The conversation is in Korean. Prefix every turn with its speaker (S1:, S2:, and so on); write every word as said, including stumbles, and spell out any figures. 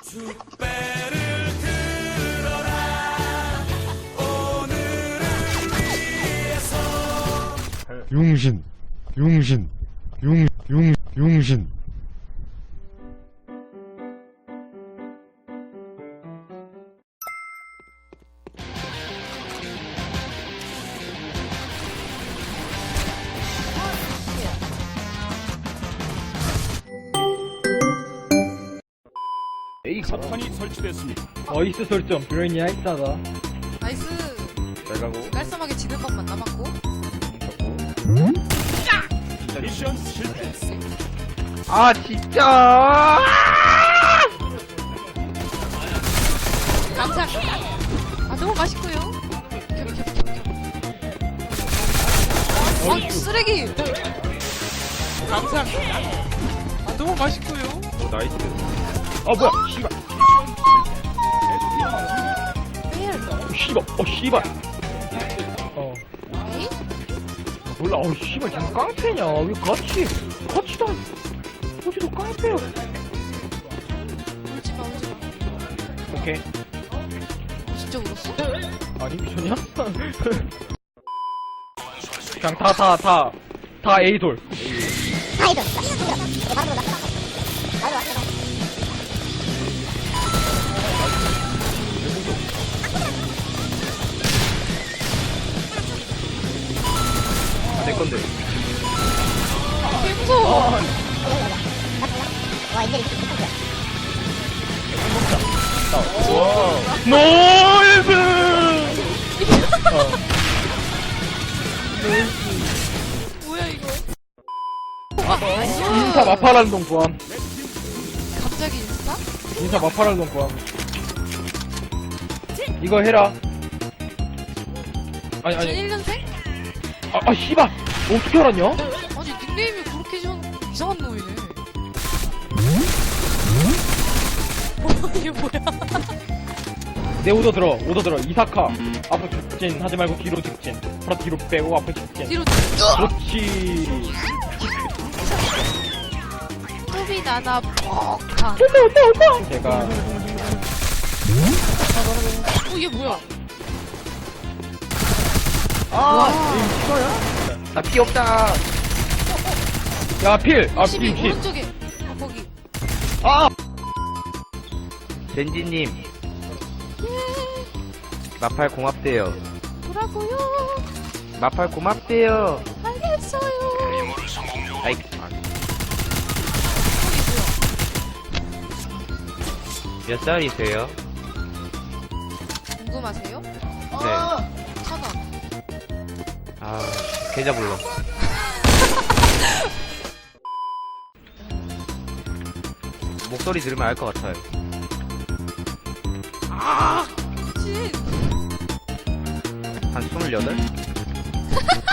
S1: 축배를 들어라 오늘을 위해서
S2: 용신 용신 용 용 용신
S3: A가
S4: 석탄이 설치됐습니다.
S3: 어이스 설정 브레인이 나이스하다.
S5: 나이스.
S3: 잘 가고
S5: 깔끔하게 지는 것만 남았고.
S4: 미션 실패.
S3: 아 진짜
S5: 감사. 아 너무 맛있고요. 어 쓰레기. 감사. 아 너무 맛있고요.
S3: 오 나이스. 아 뭐야 씨발 어 씨발 어 씨발 어
S5: 에이?
S3: 몰라 어 씨발 지금 깡패냐 왜 같이 같이 다 어디서 깡패야
S5: 울지마 울지마.
S3: 오케이
S5: 진짜 울었어?
S3: 아니 미쳤냐 그냥 다 다 다 다 A돌 내 건데.
S5: 개 무서워.
S3: 노이즈!
S5: 뭐야 이거? 아 나이스.
S3: 인사 마파랄동 구함.
S5: 갑자기 인스타?
S3: 인사 마파랄동 구함. 이거 해라. 아니,
S5: 전
S3: 아니.
S5: 일 년생?
S3: 아, 아, 씨발! 어떻게 알았냐?
S5: 아니 닉네임이 그렇게 좀 이상한 놈이네. 뭐 이게 뭐야?
S3: 내 오더 들어, 오더 들어. 이사카. 앞으로 직진 하지 말고 뒤로 직진. 바로 뒤로 빼고 앞으로 직진.
S5: 뒤로
S3: 그렇지.
S5: 뚜비 나나 뻑하.
S3: 제가.
S5: 어 얘 뭐야?
S3: 아, 이 싫어요? 나 피 없다. 야, 필! 아,
S5: 십이
S3: 필, 필.
S5: 오른쪽에. 어 거기.
S3: 아!
S6: 젠지님 마팔 고맙대요.
S5: 뭐라고요?
S6: 마팔 고맙대요.
S5: 알겠어요.
S6: 아이
S5: 거기
S6: 몇 살이세요?
S5: 뭐야? 궁금하세요?
S6: 네.
S5: 천 원.
S6: 아 계좌 불러. 목소리 들으면 알 것 같아요.
S5: 진.
S6: 한 스물여덟?